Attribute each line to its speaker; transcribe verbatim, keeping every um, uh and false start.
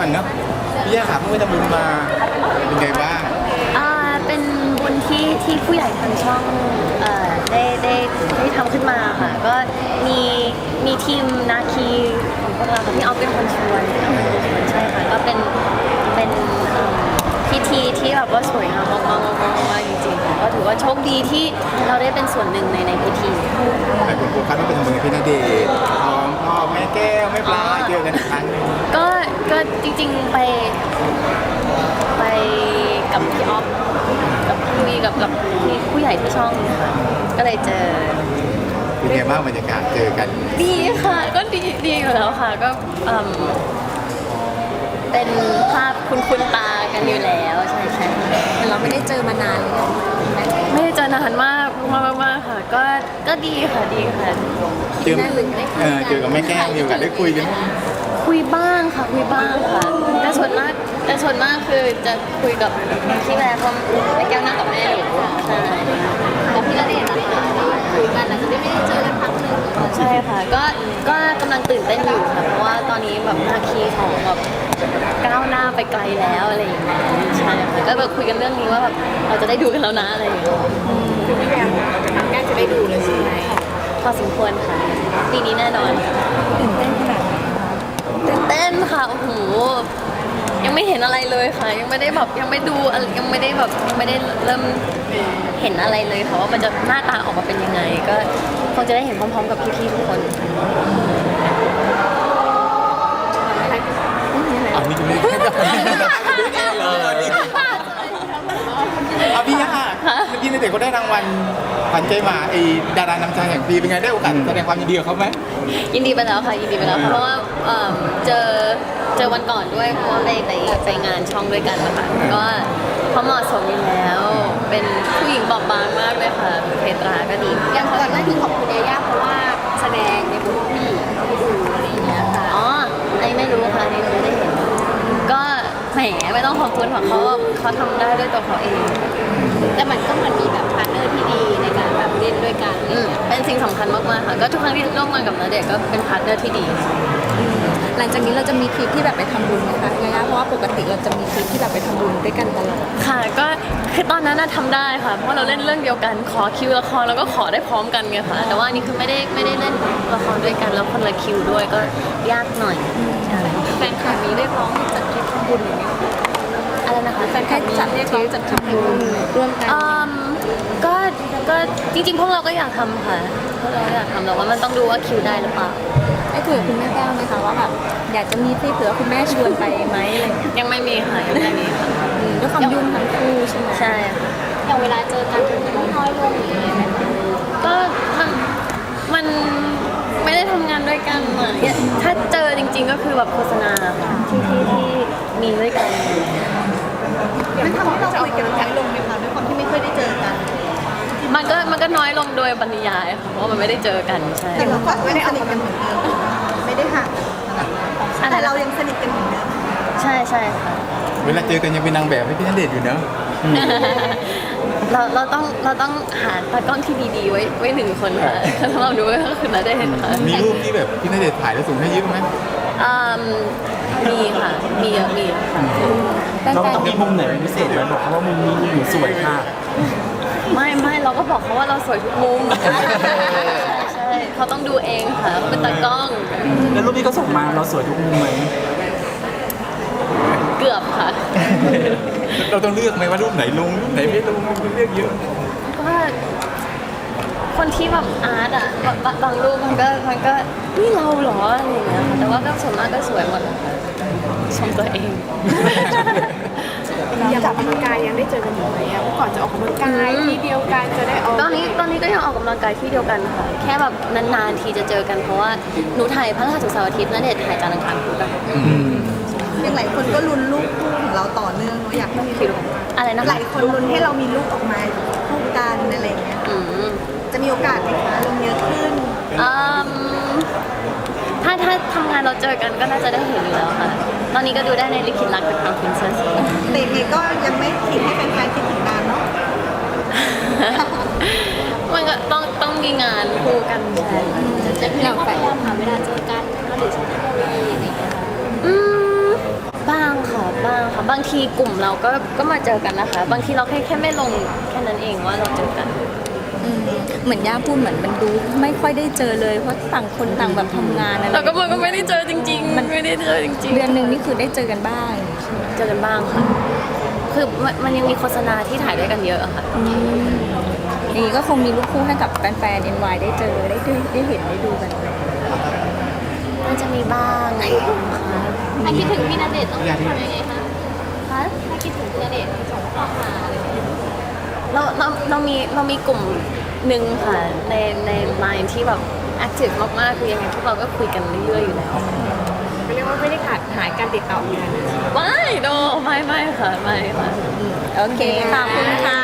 Speaker 1: อนเนาะพี่ย่าครับเพิ่งไปทำบุญมาเป็นไงบ้าง
Speaker 2: อ่าเป็นบุญที่ที่ผู้ใหญ่ทางช่องเอ่อได้ได้ได้ทำขึ้นมาค่ะก็มีมีทีมนาคีของพวกเราค่ะพี่ออฟเป็นคนชวนพี่ออฟเป็นคนชวนใช่ค่ะก็เป็นเป็นเอ่อพิธีที่แบบว่าสวยงามมากๆมากๆมากจริงๆค่ะก็ถือว่าโชคดีที่เราได้เป็นส่วนหนึ่งในในพิธี
Speaker 1: หลายคนโฟกัสว่าเป็นทำบุญกับพี่ณเดชน์พร้อมพ่อแม่แก้วแม่ปลาเจอกันอีกครั้งหนึง
Speaker 2: ก็ก็จริงๆไปไปกับพี่ออฟกับคุยกับกับพี่ผู้ใหญ่ที่ช่องค่ะก็เลยเจอ
Speaker 1: เป็นไงบ้างบรรยากาศเจอกัน
Speaker 2: ดีค่ะก็ดีดีอยู่แล้วค่ะก็เอิ่มเป็นภาพคุ้นคุ้นตากันอยู่แล้วใช่ใช่
Speaker 3: แต่เราไม่ได้เจอมานานเลย
Speaker 2: ไม่ได้เจอนานมากมากมากค่ะก็ก็ดีค่ะดีค่ะ
Speaker 1: เจอเออเจอกับแม่แก้วมีโอกาสได้คุยกัน
Speaker 2: คุยบ้างค่ะคุยบ้างค่ะแต่ส่วนมากแต่ส่วนมากคือจะคุยกับพี่แม่เพราะแม่แก้วนั่งกับแม่อยู่ใช่
Speaker 3: กับพี่ณเดชน์นะคะคุยกันอาจจะไม่ได้เจอกันครั้งหนึ่ง
Speaker 2: ใช่ค่ะก็ก็กำลังตื่นเต้นอยู่ค่ะเพราะว่าตอนนี้แบบนาคีของแบบก้าวหน้าไปไกลแล้วอะไรอย่างเงี้ยใช่ค่ะก็แบบคุยกันเรื่องนี้ว่าแบบเราจะได้ดูกันแล้วนะอะไรอย่างเงี้ย
Speaker 3: คือพี่แก้วใกล้จะได้ดูเลยใช่ไหม
Speaker 2: พอสมควรค่ะปีนี้แน่นอน
Speaker 3: ตื่นเต้นขนาดไหน
Speaker 2: ตื่นเต้นค่ะโอ้โหยังไม่เห็นอะไรเลยค่ะยังไม่ได้แบบยังไม่ดูยังไม่ได้แบบยังไม่ได้เริ่มเห็นอะไรเลยค่ะว่ามันจะหน้าตาออกมาเป็นยังไงก็คงจะได้เห็นพร้อมๆกับพี่ๆทุกคน
Speaker 1: อ๋อนี่ไม่ได้เอาพี่ย่าเมื่อกี้ในเด็กเขาได้รางวัลขวัญใจหมาไอ้ดารานำชายแห่งปีเป็นไงได้โอกาสแสดงความยินดีกับเขาไหม
Speaker 2: ยินดีไปแล้วค่ะยินดีไปแล้วเพราะว่าเจอเจอวันก่อนด้วยเพราะว่าไปไปไปงานช่องด้วยกันนะคะก็เขาเหมาะสมอยู่แล้วเป็นผู้หญิงบอบบางมากเลยค่ะเพตราก็ดี
Speaker 3: อย่างก่อนหน้านี้ขอบคุณยาย่าเพราะว่าแสดงในบทผู้หญิงที่ดูอะไรอย่างเงี้ยค่ะ
Speaker 2: อ๋อไอ้ไม่รู้ค่ะไอ้ไม่ได้เห็นก็แหมไม่ต้องขอบคุณของเขาเขาทำได้ด้วยตัวเขาเอง
Speaker 3: แต่มันก็เหมือนมีแบบพาร์ทเนอร์ที่ดีในการแบบเล่นด้วยกัน
Speaker 2: เป็นสิ่งสำคัญมากๆค่ะก็ทุกครั้งที่ร่วมงานกับณเดชน์ก็เป็นพาร์ทเนอร์ที่ดี
Speaker 3: หลังจากนี้เราจะมีทริปที่แบบไปทำบุญไหมคะยาย่าเพราะว่าปกติเราจะมีทริปที่แบบไปทำบุญด้วยกันตลอด
Speaker 2: ค่ะก็คือตอนนั้นน่ะทำได้ค่ะเพราะเราเล่นเรื่องเดียวกันขอคิวละครแล้วก็ขอได้พร้อมกันไงค่ะแต่ว่านี่คือไม่ได้ไม่ได้เล่นละครด้วยกันแล้วคนละคิวด้วยก็ยากหน่อย
Speaker 3: แฟนคลับมีเรียกร้องจัดทริปทำบุญอย่างเงี้ย
Speaker 2: อะไรนะคะ
Speaker 3: แฟนคลับจัดเรียกร้องจัดทำบุญร่วมกัน
Speaker 2: ก็ก็จริงๆพวกเราก็อยากทำค่ะพวกเราอยากทำแต่ว่ามันต้องดูว่าคิวได้หรือเปล่า
Speaker 3: ได้คุยกับคุณแม่แก้วไหมคะว่าแบบอยากจะมีที่เผื่อคุณแม่ชวนไปไหมอะไร
Speaker 2: ยังไม่มีค่ะยังไม่มีค่ะ
Speaker 3: ด้วยความยุ่งทั้งคู่ใช่ไหม
Speaker 2: ใช่
Speaker 3: อย่างเวลาเจอกันมันน้อยลงหรือยังไงคะ
Speaker 2: ก็มันมันไม่ได้ทำงานด้วยกันอ่ะถ้าเจอจริงๆก็คือแบบโฆษณาค่ะที่ที่ที่มีด้วยกัน
Speaker 3: มันทำให้เราคุยกันน้อยลงไหมคะด้วยความที่ไม่เคยได้เจอกัน
Speaker 2: มันก็มันก็น้อยลงโดยบรรยายค่ะเพราะว่ามันไม่ได้เจอกันใช่
Speaker 3: แต่เราก็ไม่ได้สนิทกันเหมือนเดิมไม่ได้ห่างแต่เรายังสนิทกันเหมือนเดิม
Speaker 2: ใช่ใช่ค่ะ
Speaker 1: เวลาเจอกันยังเป็นนางแบบให้พี่ณเดชน์อยู่เนอะ
Speaker 2: เราเราต้องเราต้องหาตากล้องที่ดีๆไว้ไว้หนึ่งคนค่ะถ้าเราดูก็คือณเดชน์ค่ะ
Speaker 1: มีรูปที่แบบพี่ณเดชน์ถ่ายแล้วส่งให้ยิ้มไหม
Speaker 2: มีค่ะมีเยอะมีค่ะ
Speaker 4: เราต้องมีมุมไหนเป็นพิเศษไหมบอกเขาว่ามุมนี้หนูสวยค่ะ
Speaker 2: ไม่ไม่เราก็บอกเขาว่าเราสวยทุกมุมใช่เขาต้องดูเองค่ะเขาเป็นตากล้อง
Speaker 4: แล้วรูปที่เขาส่งมาเราสวยทุกมุมไหม
Speaker 2: เกือบค่ะ
Speaker 1: เราต้องเลือกไหมว่ารูปไหนลงรูปไหนไม่ลงมันเลือกเยอะ
Speaker 2: ก็คนที่แบบอาร์ตอ่ะบางรูปมันก็มันก็นี่เราเหรออะไรอย่างเงี้ยแต่ว่าก็ส่วนมากก็สวยหมดชมตัวเอง
Speaker 3: อย่างออกกำลังกายยังได้เจอกันอยู่ไหมอ่ะเมื่อก่อนจะออกกำลังกายที่เดียวกันจะได้ออก
Speaker 2: ตอนนี้ตอนนี้ก็ยังออกกำลังกายที่เดียวกันค่ะแค่แบบนานๆทีจะเจอกันเพราะว่าหนูถ่ายพระรหัสเสาร์อาทิตย์ณเดชน์ถ่ายจันทร์อังคารพุธอะ
Speaker 3: ยังหลายคนก็ลุ้นลูกคู่ของเราต่อเนื่องเนาะอยากให้มีลูก
Speaker 2: อะไรนะ
Speaker 3: หลายคนลุ้นให้เรามีลูกออกมาคู่กันอะไรเงี้ยจะมีโอกาสไหมคะลงเยอะขึ้น
Speaker 2: ถ้าถ้าทำงานเราเจอกันก็น่าจะได้เห็นอยู่แล้วค่ะตอนนี้ก็ดูได้ในลิขิตรักกับทางพินเซส
Speaker 3: แต่นี่ก็ยังไม่คิดให้แฟนๆคิดถึงนานเนาะ
Speaker 2: มันก็ต้องต้องมีงานคู่กันใช่
Speaker 3: จะพี่เราพยายามหาเวลาเจอกันก็หรือใช้เทคโนโลยีอะไรอย่างเงี้ย
Speaker 2: อืมบ้าบ้างค่ะบางทีกลุ่มเราก็ก็มาเจอกันนะคะ บางทีเราแค่แค่ไม่ลงแค่นั้นเองว่าเราเจอกัน
Speaker 3: อืมเหมือนย่าพูดเหมือนมันดูไม่ค่อยได้เจอเลยเพราะต่างคนต่างแบบทำงานอะไร
Speaker 2: แต่ก็มันก็ไม่ได้เจอจริงๆ มันไม่ได้เจอจริงๆ
Speaker 3: เดือนหนึ่งนี่คือได้เจอกันบ้าง
Speaker 2: เจอกันบ้างค่ะ คือมันมันยังมีโฆษณาที่ถ่ายด้วยกันเยอะอะค่ะ
Speaker 3: อย่างนี้ก็คงมีลูกคู่ให้กับแฟนๆ เอ็น วาย ได้เจอได้ดูได้เห็นได้ดูกัน
Speaker 2: น่าจะมีบ้างค่ะ
Speaker 5: ถ้าคิดถึงพี่ณเดชน์ต้องทำยังไงคะ
Speaker 2: คะ
Speaker 5: ถ้าคิดถึงพี่ณเดชน์ส่งข้อความอะไรอย่างเงี้ย
Speaker 2: เราเราเรามีเรามีกลุ่มหนึ่งค่ะ ในในไลน์ที่แบบแอคทีฟมากๆ คือยังไงพวกเราก็คุยกันเรื่อยๆอยู่แล้ว
Speaker 3: เรียกว่าไม่ได้ขาดหายการติดต่อกัน
Speaker 2: ไม่โดไม่ไม่ค่ะ ไม่ค่ะ
Speaker 3: โอเค ขอบคุณค่ะ